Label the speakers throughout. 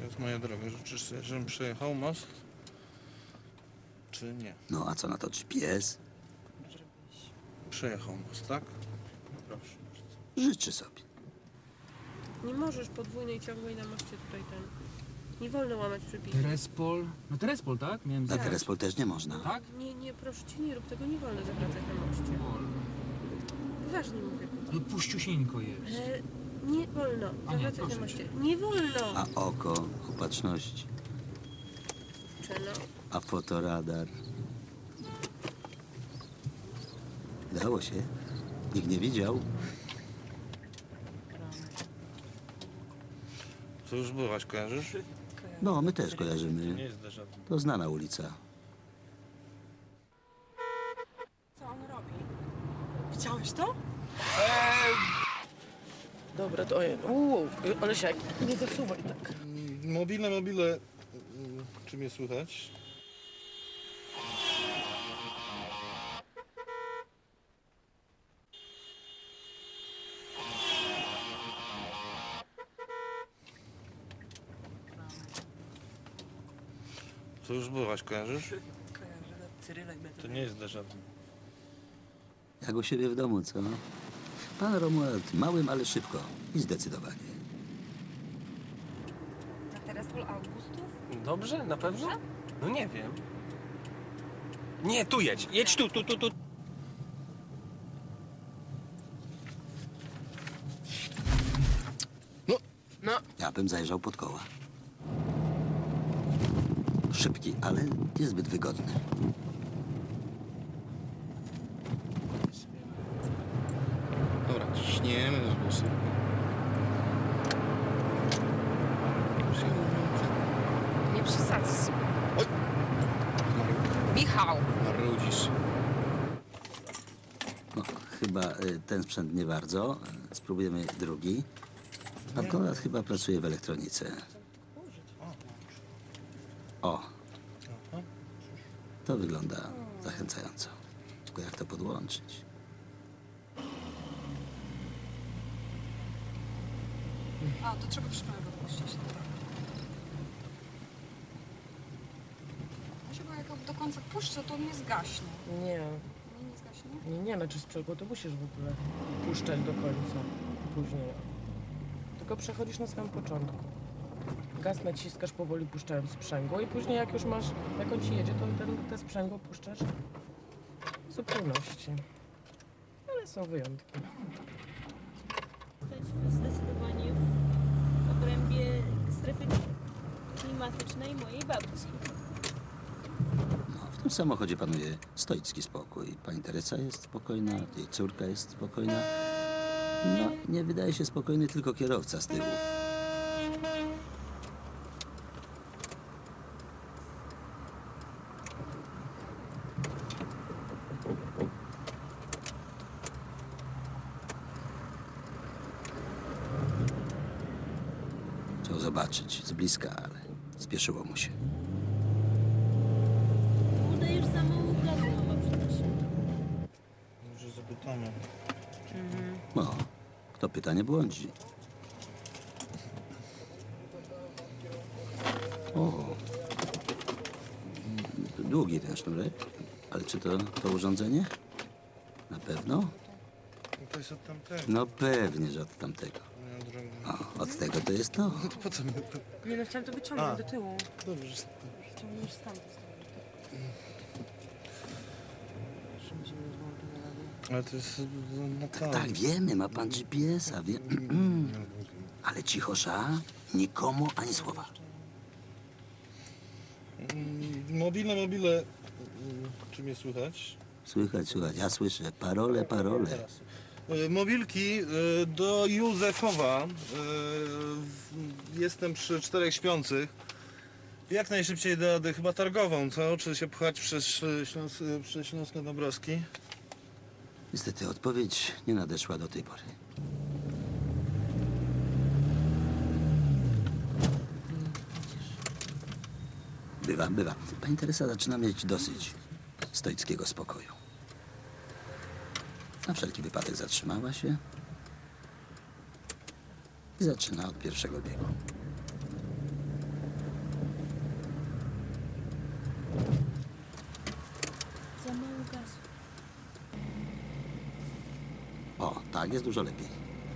Speaker 1: Więc moja droga, życzysz sobie, żebym przejechał most? Czy nie?
Speaker 2: No a co na to GPS?
Speaker 1: Przejechał most, tak? Proszę bardzo.
Speaker 2: Życzy sobie.
Speaker 3: Nie możesz podwójnej ciągłej na moście tutaj ten. Nie wolno łamać przepisów.
Speaker 4: Terespol. No Terespol, tak? Miałem
Speaker 2: Na
Speaker 4: zjechać.
Speaker 2: Terespol też nie można.
Speaker 4: Tak?
Speaker 3: Nie, proszę cię, nie rób tego, nie wolno zawracać na moście.
Speaker 4: Wolno.
Speaker 3: Poważnie mówię.
Speaker 4: Ale puściusieńko jest.
Speaker 3: Nie wolno
Speaker 4: A nie,
Speaker 3: zawracać na
Speaker 4: proszę
Speaker 3: moście.
Speaker 4: cię.
Speaker 3: Nie wolno!
Speaker 2: A oko opatrzności.
Speaker 3: Czeno.
Speaker 2: A fotoradar. Dało się. Nikt nie widział.
Speaker 1: Co już byłaś, kojarzysz?
Speaker 2: No, my też
Speaker 1: Nie
Speaker 2: kojarzymy.
Speaker 1: jest dla żadnych.
Speaker 2: To znana ulica.
Speaker 5: Co on robi? Widziałeś to?
Speaker 3: Dobra, to Olesiak, nie zasuwaj tak.
Speaker 1: Mobile. Czy mnie słychać? Co już byłaś, kojarzysz?
Speaker 5: Kojarzę Cyryla i
Speaker 1: To nie jest dla żadnych.
Speaker 2: Jak u siebie w domu, co? Pan Romuald małym, ale szybko i zdecydowanie.
Speaker 5: Na Terespol Augustów?
Speaker 6: Dobrze? Na pewno? No nie wiem. Nie, tu jedź. Jedź tu.
Speaker 2: Ja bym zajrzał pod koła. Szybki, ale niezbyt wygodny.
Speaker 1: Dobra, ciśniemy z busy.
Speaker 5: Nie przesadzaj. Michał!
Speaker 1: Marudzisz.
Speaker 2: No, chyba ten sprzęt nie bardzo. Spróbujemy drugi. Pan Konrad chyba pracuje w elektronice. O, to wygląda zachęcająco. Tylko jak to podłączyć?
Speaker 5: A, to trzeba przypomnieć odpuścić. Może bo jak do końca puszczę, to on nie zgaśnie.
Speaker 3: Nie,
Speaker 5: Nie zgaśnie?
Speaker 3: nie, znaczy sprzęgło to musisz w ogóle puszczać do końca. Później. Tylko przechodzisz na samym początku. Gaz naciskasz powoli puszczając sprzęgło i później jak już masz, jak on ci jedzie, to te sprzęgło puszczasz w zupełności. Ale są wyjątki.
Speaker 7: Zdecydowanie w obrębie strefy klimatycznej mojej babci.
Speaker 2: No, w tym samochodzie panuje stoicki spokój. Pani Teresa jest spokojna, jej córka jest spokojna. No, nie wydaje się spokojny tylko kierowca z tyłu. Chciał zobaczyć z bliska, ale spieszyło mu się.
Speaker 7: Udajesz za mało gazu, mama przynosi.
Speaker 1: Może zapytamy.
Speaker 2: No, kto pyta, nie błądzi. O, długi ten sznurek. Ale czy to urządzenie? Na pewno?
Speaker 1: No to jest od tamtego,
Speaker 2: No pewnie, że od tamtego.
Speaker 1: moja droga.
Speaker 2: O, od tego to jest to.
Speaker 1: To po co mnie to?
Speaker 3: Nie no, chciałam to wyciągnąć
Speaker 1: A.
Speaker 3: do tyłu.
Speaker 1: Dobrze.
Speaker 3: Ciągniesz stąd.
Speaker 1: Ale to jest na
Speaker 2: Tak, wiemy, ma pan GPS-a, wie... Ale cichosza, nikomu ani słowa.
Speaker 1: Mobile. Czy mnie słychać?
Speaker 2: Słychać, ja słyszę. Parole.
Speaker 1: Teraz. Mobilki do Józefowa. Jestem przy 4 śpiących. Jak najszybciej dojadę chyba targową, co? Czy się pchać przez Śląsko-Dąbrowski?
Speaker 2: Niestety odpowiedź nie nadeszła do tej pory. Bywa. Pani Teresa zaczyna mieć dosyć stoickiego spokoju. Na wszelki wypadek zatrzymała się i zaczyna od pierwszego biegu. Tak, jest dużo lepiej.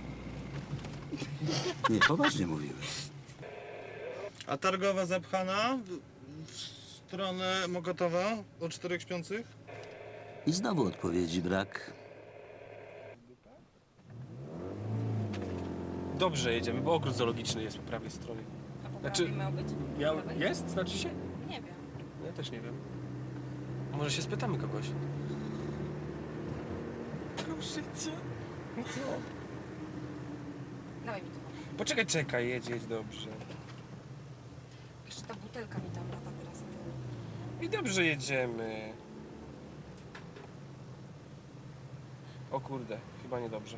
Speaker 2: Nie, poważnie mówiłem.
Speaker 1: A targowa zapchana w stronę Mokotowa o 4 śpiących?
Speaker 2: I znowu odpowiedzi brak.
Speaker 6: Dobrze jedziemy, bo ogród zoologiczny jest po prawej stronie.
Speaker 5: A po
Speaker 6: Znaczy-
Speaker 5: prawej miał być?
Speaker 6: Ja...
Speaker 5: Po lewej?
Speaker 6: Jest? Znaczy się?
Speaker 5: Nie wiem.
Speaker 6: Ja też nie wiem. Może się spytamy kogoś. Proszę cię. Co?
Speaker 5: Dawaj mi to.
Speaker 6: Poczekaj, czekaj, jedź, dobrze.
Speaker 5: Jeszcze ta butelka mi tam lata teraz.
Speaker 6: I dobrze jedziemy. O kurde, chyba niedobrze.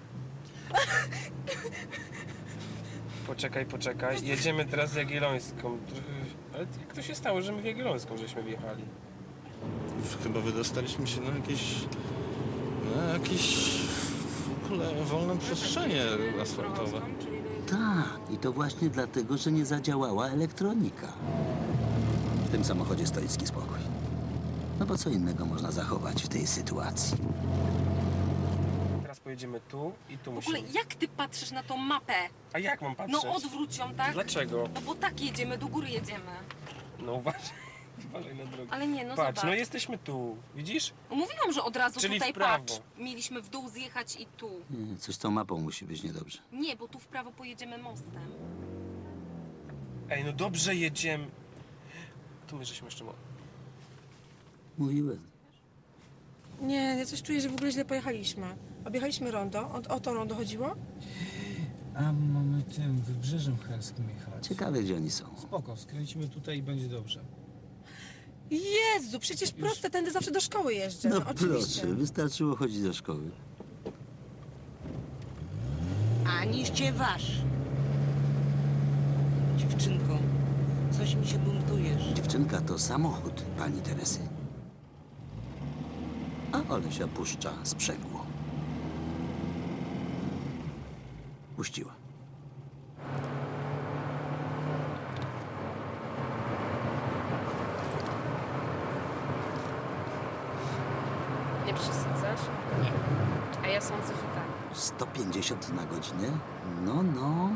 Speaker 6: Poczekaj. Jedziemy teraz Jagiellońską. Ale jak to się stało, że my w Jagiellońską żeśmy wjechali?
Speaker 1: Chyba wydostaliśmy się na jakieś w ogóle wolne przestrzenie asfaltowe.
Speaker 2: Tak, i to właśnie dlatego, że nie zadziałała elektronika. W tym samochodzie stoicki spokój. No bo co innego można zachować w tej sytuacji?
Speaker 6: Teraz pojedziemy tu i tu
Speaker 5: W ogóle
Speaker 6: musimy.
Speaker 5: jak ty patrzysz na tą mapę?
Speaker 6: A jak mam patrzeć?
Speaker 5: No odwróć ją, tak?
Speaker 6: Dlaczego?
Speaker 5: No bo tak jedziemy, do góry jedziemy.
Speaker 6: No uważaj na drogę.
Speaker 5: Ale nie, no
Speaker 6: Patrz,
Speaker 5: zobacz.
Speaker 6: no jesteśmy tu, widzisz?
Speaker 5: No mówiłam, że od razu
Speaker 6: Czyli
Speaker 5: tutaj
Speaker 6: w prawo.
Speaker 5: patrz. Mieliśmy w dół zjechać i tu.
Speaker 2: Nie, coś z tą mapą musi być niedobrze.
Speaker 5: Nie, bo tu w prawo pojedziemy mostem.
Speaker 6: Ej, no dobrze jedziemy. Tu my żeśmy jeszcze...
Speaker 2: Mówiłem.
Speaker 3: Nie, ja coś czuję, że w ogóle źle pojechaliśmy. Objechaliśmy rondo. O to rondo chodziło?
Speaker 4: A mamy tym wybrzeżem helskim jechać.
Speaker 2: Ciekawe, gdzie oni są.
Speaker 4: Spoko, skręcimy tutaj i będzie dobrze.
Speaker 3: Jezu, przecież proste, tędy zawsze do szkoły jeżdżę.
Speaker 2: No
Speaker 3: No, oczywiście.
Speaker 2: proszę, wystarczyło chodzić do szkoły.
Speaker 8: Aniście wasz. Dziewczynko, coś mi się buntujesz.
Speaker 2: Dziewczynka to samochód pani Teresy. A Olesia puszcza sprzęgło. Puściła.
Speaker 3: Nie przesadzasz? Nie. A ja sądzę, że tak.
Speaker 2: 150 na godzinę? No.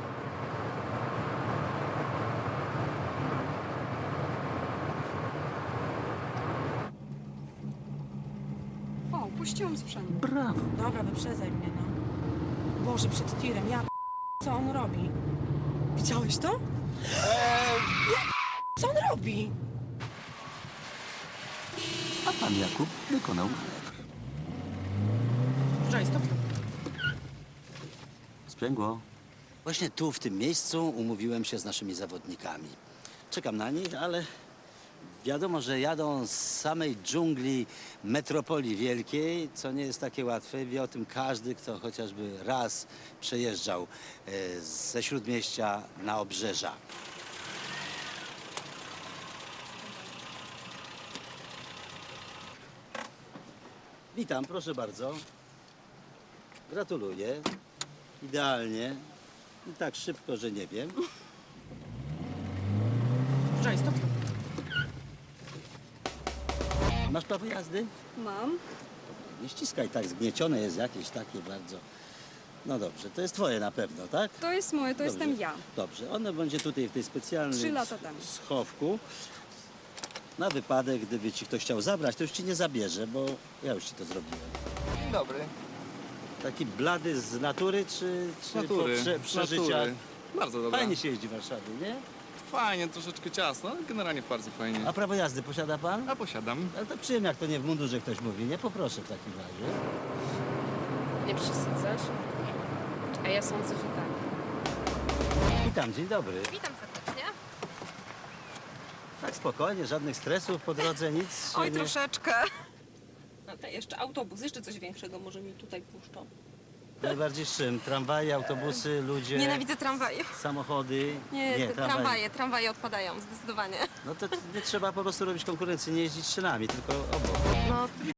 Speaker 5: O, puściłam sprzęt.
Speaker 2: Brawo.
Speaker 3: Dobra, wyprzedzaj mnie, no. Boże, przed tirem, co on robi? Widziałeś to? Co on robi?
Speaker 2: A pan Jakub wykonał manewr.
Speaker 3: Żaj, stop.
Speaker 2: Sprzęgło. Właśnie tu, w tym miejscu, umówiłem się z naszymi zawodnikami. Czekam na nich, ale wiadomo, że jadą z samej dżungli metropolii wielkiej, co nie jest takie łatwe. Wie o tym każdy, kto chociażby raz przejeżdżał ze Śródmieścia na Obrzeża. Witam, proszę bardzo. Gratuluję. Idealnie. I tak szybko, że nie wiem.
Speaker 3: Żaj, stop.
Speaker 2: Masz prawo jazdy?
Speaker 5: Mam.
Speaker 2: Nie ściskaj tak, zgniecione jest jakieś takie bardzo. No dobrze, to jest twoje na pewno, tak?
Speaker 5: To jest moje, to
Speaker 2: Dobrze.
Speaker 5: jestem ja.
Speaker 2: Dobrze, ono będzie tutaj w tej specjalnej
Speaker 5: 3 lata temu.
Speaker 2: schowku. Na wypadek, gdyby ci ktoś chciał zabrać, to już ci nie zabierze, bo ja już ci to zrobiłem.
Speaker 9: Dzień dobry.
Speaker 2: Taki blady z natury, czy
Speaker 9: Natury.
Speaker 2: po przeżyciach?
Speaker 9: Natury. Bardzo dobra.
Speaker 2: Fajnie się jeździ w Warszawie, nie?
Speaker 9: Fajnie, troszeczkę ciasno, ale generalnie bardzo fajnie.
Speaker 2: A prawo jazdy posiada pan?
Speaker 9: A posiadam.
Speaker 2: Ale to przyjemnie, jak to nie w mundurze ktoś mówi, nie? Poproszę w takim razie.
Speaker 3: Nie przesadzasz? A ja sądzę, że tak.
Speaker 2: Witam, dzień dobry.
Speaker 5: Witam serdecznie.
Speaker 2: Tak spokojnie, żadnych stresów po drodze, nic się
Speaker 5: Oj,
Speaker 2: nie...
Speaker 5: troszeczkę. A to jeszcze autobus, jeszcze coś większego może mi tutaj puszczą.
Speaker 2: Najbardziej z czym? Tramwaje, autobusy, ludzie,
Speaker 5: Nienawidzę tramwaje.
Speaker 2: samochody?
Speaker 5: Nie,
Speaker 2: tramwaje.
Speaker 5: tramwaje odpadają, zdecydowanie.
Speaker 2: No to nie trzeba po prostu robić konkurencji, nie jeździć szynami, tylko obok.
Speaker 5: No,